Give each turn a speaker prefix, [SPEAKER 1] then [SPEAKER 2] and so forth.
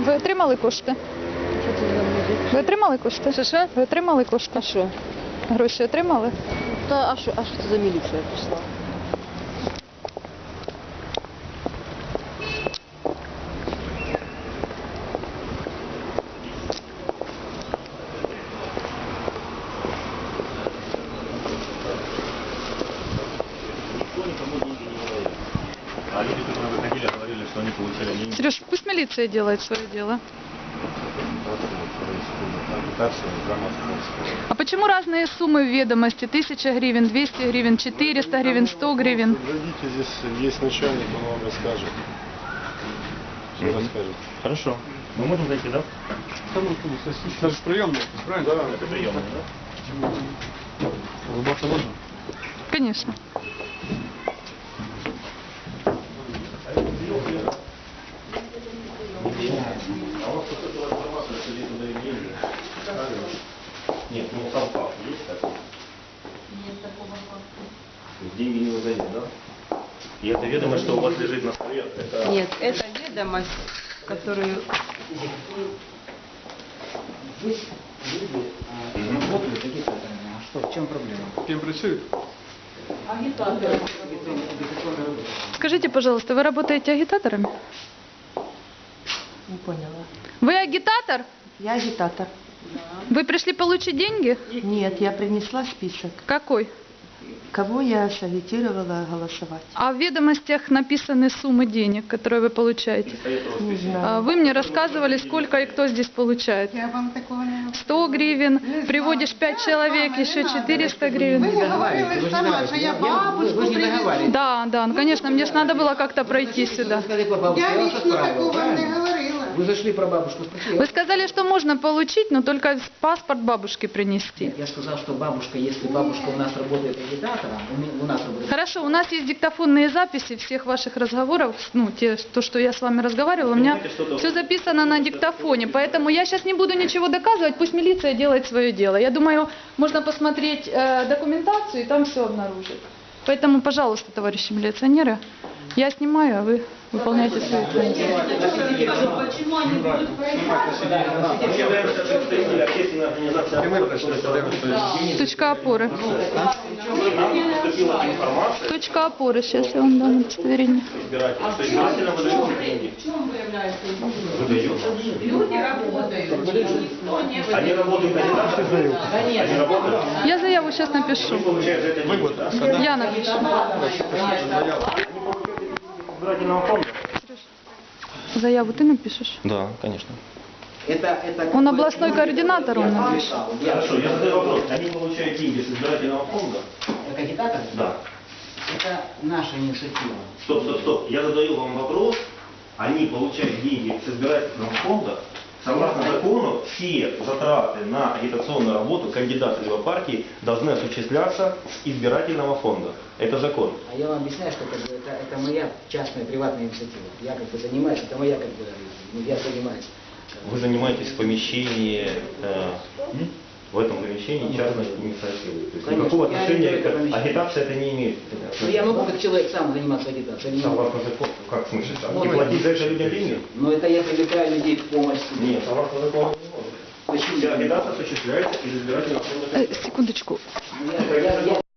[SPEAKER 1] Ви отримали кошти?
[SPEAKER 2] Що це за музик?
[SPEAKER 1] Ви отримали кошти?
[SPEAKER 2] Що?
[SPEAKER 1] Ви отримали кошти?
[SPEAKER 2] А що?
[SPEAKER 1] Гроші отримали?
[SPEAKER 2] А що це за міліція прийшла?
[SPEAKER 3] А люди, которые выходили, говорили, что они получали деньги.
[SPEAKER 1] Сереж, пусть милиция делает свое дело. А почему разные суммы в ведомости? 1000 гривен, 200 гривен, 400 гривен, 100 гривен?
[SPEAKER 4] Зайдите, здесь есть начальник, он вам расскажет. Все расскажет.
[SPEAKER 3] Хорошо. Мы можем зайти, да?
[SPEAKER 4] Это же приемная, правильно? Да.
[SPEAKER 3] Это приемная, да?
[SPEAKER 4] Улыбаться можно?
[SPEAKER 1] Конечно.
[SPEAKER 3] А у вас поступила информация, что здесь удали деньги? Нет, ну сам факт есть такой?
[SPEAKER 5] Нет такого факта.
[SPEAKER 3] То есть деньги не выдают, да? И это ведомость, что у вас лежит на столе? Это...
[SPEAKER 2] Нет, это ведомость, которую...
[SPEAKER 6] Здесь люди работают агитаторами. А что, в чем проблема?
[SPEAKER 4] Кем працюет?
[SPEAKER 5] Агитаторы.
[SPEAKER 6] Агитационная работа.
[SPEAKER 1] Скажите, пожалуйста, вы работаете агитаторами?
[SPEAKER 2] Не поняла.
[SPEAKER 1] Вы агитатор?
[SPEAKER 7] Я агитатор.
[SPEAKER 1] Вы пришли получить деньги?
[SPEAKER 7] Нет, я принесла список,
[SPEAKER 1] Какой?
[SPEAKER 7] кого я сагитировала голосовать.
[SPEAKER 1] А в ведомостях написаны суммы денег, которые вы получаете.
[SPEAKER 7] Не знаю.
[SPEAKER 1] А вы мне рассказывали, сколько и кто здесь получает.
[SPEAKER 7] Я вам такого не
[SPEAKER 1] 100 гривен, приводишь 5 человек, еще 400 гривен.
[SPEAKER 6] Вы же сама, что я бабушку вы же не договариваетесь.
[SPEAKER 1] Да, да, ну конечно, мне же надо было как-то пройти сюда.
[SPEAKER 6] Вы сказали про бабушку, я вас отправил, правильно? Вы зашли про бабушку, спросили.
[SPEAKER 1] Вы сказали, что можно получить, но только паспорт бабушки принести.
[SPEAKER 6] Я сказал, что бабушка, если бабушка у нас работает агитатором, у нас работает...
[SPEAKER 1] Хорошо, у нас есть диктофонные записи всех ваших разговоров, ну, то, что я с вами разговаривала, у меня все записано на диктофоне, поэтому я сейчас не буду ничего доказывать, пусть милиция делает свое дело. Я думаю, можно посмотреть документацию и там все обнаружить. Поэтому, пожалуйста, товарищи милиционеры, я снимаю, а вы выполняйте свои функции.
[SPEAKER 5] Почему они будут проиграть?
[SPEAKER 3] Мы являемся представителями общественной организации.
[SPEAKER 1] Точка опоры.
[SPEAKER 3] Нам поступила информация,
[SPEAKER 1] Точка опоры, сейчас я вам дам удостоверение.
[SPEAKER 3] что избирателям выдают деньги.
[SPEAKER 5] В чем выявляется
[SPEAKER 3] Выдают.
[SPEAKER 5] Люди работают, никто не
[SPEAKER 3] Они работают агитаторами? Они работают.
[SPEAKER 1] Я заяву сейчас напишу.
[SPEAKER 3] Получают за это деньги, да?
[SPEAKER 1] Я напишу.
[SPEAKER 3] Избирательного фонда?
[SPEAKER 1] Заяву ты напишешь?
[SPEAKER 3] Да, конечно.
[SPEAKER 6] Это
[SPEAKER 1] Он областной координатор, он напишет.
[SPEAKER 3] Хорошо, я задаю вопрос. Они получают деньги с избирательного фонда?
[SPEAKER 6] Как агитатор?
[SPEAKER 3] Да.
[SPEAKER 6] Это наша инициатива.
[SPEAKER 3] Стоп. Я задаю вам вопрос. Они получают деньги с избирательного фонда. Согласно закону, все затраты на агитационную работу кандидата либо партии должны осуществляться с избирательного фонда. Это закон.
[SPEAKER 6] А я вам объясняю, что как бы, это моя частная приватная инициатива. Я как бы занимаюсь, это моя как бы, ну, я занимаюсь.
[SPEAKER 3] Вы занимаетесь в помещении, в этом помещении частной инициативы. То есть
[SPEAKER 6] Конечно.
[SPEAKER 3] никакого
[SPEAKER 6] Я
[SPEAKER 3] отношения
[SPEAKER 6] не
[SPEAKER 3] к
[SPEAKER 6] помещение.
[SPEAKER 3] агитации это не имеет.
[SPEAKER 6] Ну, я могу как человек сам заниматься агитацией. не могу.
[SPEAKER 3] Согласно закону, как в смысле? И
[SPEAKER 6] Можно.
[SPEAKER 3] платить за это людям деньги?
[SPEAKER 6] Но это я привлекаю людей в помощь.
[SPEAKER 3] Нет, согласно закону не может.
[SPEAKER 6] Почему?
[SPEAKER 3] Вся агитация осуществляется из избирательного фонда.
[SPEAKER 1] Секундочку.
[SPEAKER 6] Я